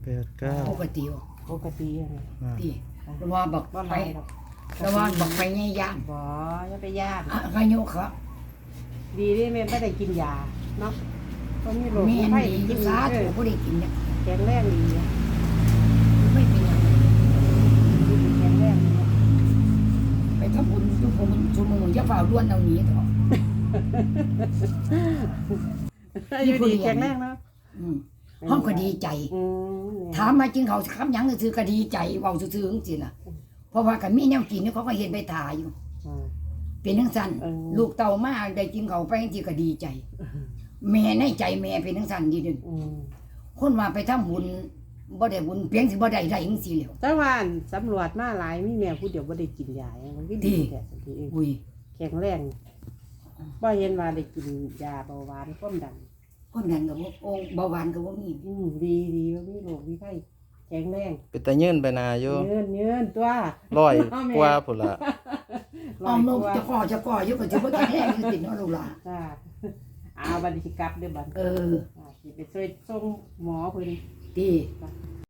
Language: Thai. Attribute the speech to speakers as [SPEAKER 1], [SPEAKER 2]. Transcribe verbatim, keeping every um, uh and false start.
[SPEAKER 1] แปดเก้า
[SPEAKER 2] ปกติบ่
[SPEAKER 3] ปกติอะไร
[SPEAKER 1] อ่า
[SPEAKER 2] ที่แต่ว่าบัก
[SPEAKER 3] บ่
[SPEAKER 2] ไป
[SPEAKER 3] ไรหรอก
[SPEAKER 2] แต่ว่าบักไปใหญ่ย่าน
[SPEAKER 3] บ่อย่าไปยาก
[SPEAKER 2] อะอายุครับ
[SPEAKER 3] ดีที่แม่ไม่ได้กินยาเนาะก็มีโรค
[SPEAKER 2] แม่น
[SPEAKER 3] ไข้
[SPEAKER 2] ดี
[SPEAKER 3] กิน
[SPEAKER 2] สา
[SPEAKER 3] เอ
[SPEAKER 2] ธุ
[SPEAKER 3] อ
[SPEAKER 2] บ่ได้กินเนี่ย
[SPEAKER 3] แข็งแรงดีอะ
[SPEAKER 2] ไม่เป็นหยัง
[SPEAKER 3] แข็งแรงดีอะ
[SPEAKER 2] ไปทำบุญทุกคนชั่วโมงอย่าฝ่าด้วนเอาหนีเถอะ
[SPEAKER 3] อยู่ดีแข็งแรงเนาะ
[SPEAKER 2] อืมห้องก็ดีใจ
[SPEAKER 3] อืม
[SPEAKER 2] ถามมากินเขาวคำหยังซื่อๆก็ดีใจเว้าซื่อๆจังซี่น่ะเพราะว่าก็มีแนวกินนี่เขาก็เฮ็ดไปถ่าอยู่
[SPEAKER 3] อ่า
[SPEAKER 2] เป็นจังซั่น
[SPEAKER 3] เออ
[SPEAKER 2] ลูกเต่ามาได้กินเขาวไปจังซี่ก็ดีใจ แม่ในใจแม่เป็นจังซั่นดีเด้อ
[SPEAKER 3] อืม
[SPEAKER 2] คนว่าไปทำบุญบ่ได้บุญเพียงสิบ่ได้ได้จังซี่แหล้ว
[SPEAKER 3] แต่ว่าสำรวจมาหลายมีแม่ผู้เดียวบ่ได้กินยามันก็
[SPEAKER 2] ดี
[SPEAKER 3] ดีแท้สันทีเอง
[SPEAKER 2] อุ้ย
[SPEAKER 3] แข็งแรงบ่เห็นว่าได้กินยาเบาหวานความดัน
[SPEAKER 2] คนนั้นก็บ่โอ้เบาหวานก็บ่มี
[SPEAKER 3] อืมดีดีบ่มีโรคมีไข้แข็งแรง
[SPEAKER 1] เป็นตายื่นไปนาอยู่
[SPEAKER 3] เงินเงินตัว
[SPEAKER 1] ร้อยกว่าพุ่นละ
[SPEAKER 2] อ้อมนกจะก่อจะก่ออยู่ก็สิบ่แข็งแรงอยู่ติเนาะลูกหลาน
[SPEAKER 3] จ้าอาบัดนี้สิกลับเด้อบัด
[SPEAKER 2] เออ
[SPEAKER 3] อ่าสิไปช่วยส่งหมอเพิ่น
[SPEAKER 2] ดี
[SPEAKER 3] จ้ะ